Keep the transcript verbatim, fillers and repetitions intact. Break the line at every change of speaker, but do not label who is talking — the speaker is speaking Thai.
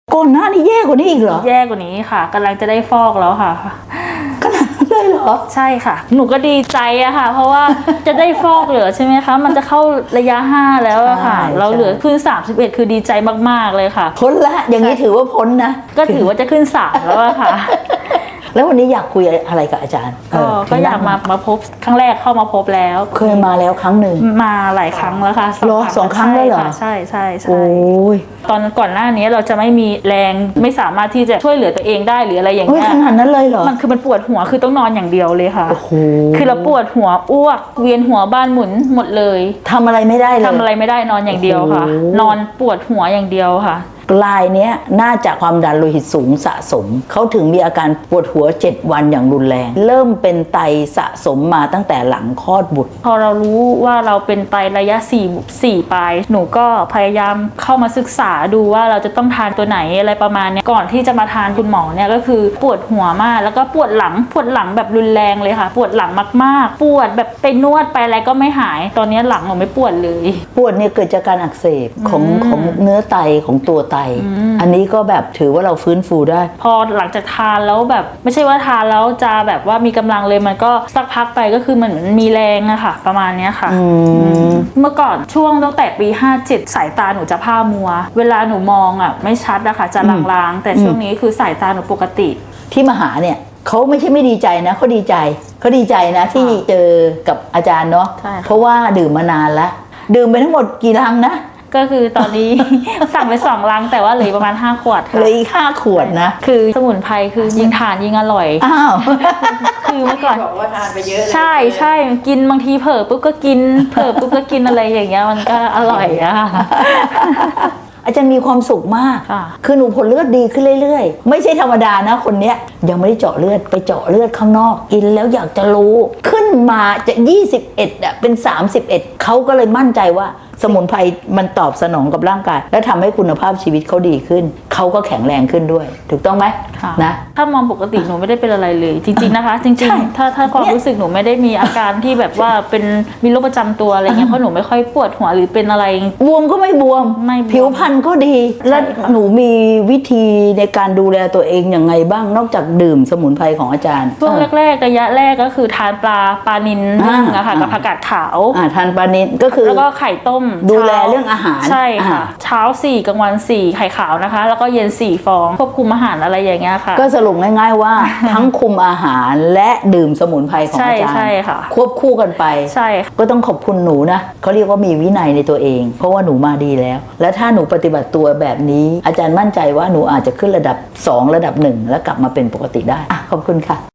ก่อนหน้านี้แย่กว่านี้อีกเหรอ
แย่กว่านี้ค่ะกำลังจะได้ฟอกแล้วค่ะ
ขนาดนั้นเลยเหรอ
ใช่ค่ะหนูก็ดีใจอะค่ะเพราะว่าจะได้ฟอกเหลือใช่ไหมคะมันจะเข้าระยะห้าแล้วอะค่ะเราเหลือขึ้นสามสิบเอ็ดคือดีใจมากๆเลยค่ะ
พ้นละอย่างนี้ถือว่าพ้นนะ
ก็ถือว่าจะขึ้นสามแล้วอะค่ะ
แล้ววันนี้อยากคุยอะไรกับอาจารย์
ก็ก็อยากมามาพบครั้งแรกเข้ามาพบแล้ว
เคยมาแล้วครั้งหนึ่ง
มาหลายครั้งแล้วค่ะ
รอสองครั้งเลยเหรอ
ใช่ใช่ใช่
โอ้ย
ตอนก่อนหน้านี้เราจะไม่มีแรงไม่สามารถที่จะช่วยเหลือตัวเองได้หรืออะไรอย่างเงี้ย
ขนาดนั้นเลยเหรอ
มันคือมันปวดหัวคือต้องนอนอย่างเดียวเลยค่ะ
โอ้โห
คือเราปวดหัวอ้วกเวียนหัวบ้านหมุนหมดเลย
ทำอะไรไม่ได้เลย
ทำอะไรไม่ได้นอนอย่างเดียวค่ะนอนปวดหัวอย่างเดียวค่ะ
ลายเนี้ยน่าจะความดันโลหิตสูงสะสมเขาถึงมีอาการปวดหัวเจ็ดวันอย่างรุนแรงเริ่มเป็นไตสะสมมาตั้งแต่หลังคลอดบุตร
พอเรารู้ว่าเราเป็นไตระยะสี่สี่ปลายหนูก็พยายามเข้ามาศึกษาดูว่าเราจะต้องทานตัวไหนอะไรประมาณนี้ก่อนที่จะมาทานคุณหมอเนี่ยก็คือปวดหัวมากแล้วก็ปวดหลังปวดหลังแบบรุนแรงเลยค่ะปวดหลังมากๆปวดแบบไปนวดไปอะไรก็ไม่หายตอนนี้หลังหนูไม่ปวดเลย
ปวดเนี่ยเกิดจากการอักเสบของของเนื้อไตของตัวไตอันนี้ก็แบบถือว่าเราฟื้นฟูได้
พอหลังจากทานแล้วแบบไม่ใช่ว่าทานแล้วจะแบบว่ามีกำลังเลยมันก็สักพักไปก็คือมันมีแรงอะค่ะประมาณนี้ค่ะเมื่อก่อนช่วงตั้งแต่ปีห้าเจ็ดสายตาหนูจะผ้ามัวเวลาหนูมองอะไม่ชัดอะค่ะจะลางๆแต่ช่วงนี้คือสายตาหนูปกติ
ที่มาหาเนี่ยเขาไม่ใช่ไม่ดีใจนะเขาดีใจเขาดีใจนะที่เจอกับอาจารย์เนาะเพราะว่าดื่มมานานแล้วดื่มไปทั้งหมดกี่ลังนะ
ก็คือตอนนี้ สั่งไปสองลังแต่ว่าเหลือประมาณห้าขวดค่ะ
เหลืออีกห้าขวดนะ
คือสมุนไพรคือยิ่งทานยิ่งอร่อย
อ้าว
คือเมื่อก่อน
บอกว่าทานไปเยอะเลย
ใช่ใช่กินบางทีเผลอปุ๊บก็กินเผลอปุ๊บก็กินอะไรอย่างเงี้ยมันก็อร่อยอะ
อาจารย์มีความสุขมากคือหนูผลเลือดดีขึ้นเรื่อยๆไม่ใช่ธรรมดานะคนเนี้ยยังไม่ได้เจาะเลือดไปเจาะเลือดข้างนอกกินแล้วอยากจะรู้ขึ้นมาจะยี่สิบเอ็ดอ่ะเป็นสามสิบเอ็ดเขาก็เลยมั่นใจว่าสมุนไพรมันตอบสนองกับร่างกายและทำให้คุณภาพชีวิตเขาดีขึ้นเขาก็แข็งแรงขึ้นด้วยถูกต้องไหมนะ
ถ้ามองปกติหนูไม่ได้เป็นอะไรเลยจริงๆนะคะจริงๆถ้าถ้าความรู้สึกหนูไม่ได้มีอาการที่แบบว่าเป็นมีโรคประจำตัวอะไรเงี้ยเพราะหนูไม่ค่อยปวดหัวหรือเป็นอะไร
บวมก็ไม่บวมผิวพรรณก็ดีและหนูมีวิธีในการดูแลตัวเองอย่างไงบ้างนอกจากดื่มสมุนไพรของอาจารย์
ช่วงแรกๆระยะแรกก็คือทานปลาปลานิลนึ่งอะค่ะกับผักกาดขาว
ทานปลานิลก็คือ
แล้วก็ไข่ต้ม
ดูแลเรื่องอาหาร
ใช่ค่ะเช้าสี่กลางวันสี่ไข่ขาวนะคะแล้วก็เย็นสี่ฟองควบคุมอาหารอะไรอย่างเงี้ยค่ะ
ก็สรุปง่ายๆว่า ทั้งคุมอาหารและดื่มสมุนไพรของอาจารย์
ใช่ค่ะ
ควบคู่กันไป
ใช่
ก็ต้องขอบคุณหนูนะเขาเรียกว่ามีวินัยในตัวเองเพราะว่าหนูมาดีแล้วและถ้าหนูปฏิบัติตัวแบบนี้อาจารย์มั่นใจว่าหนูอาจจะขึ้นระดับสองระดับหนึ่งแล้วกลับมาเป็นปกติได้อ่ะขอบคุณค่ะ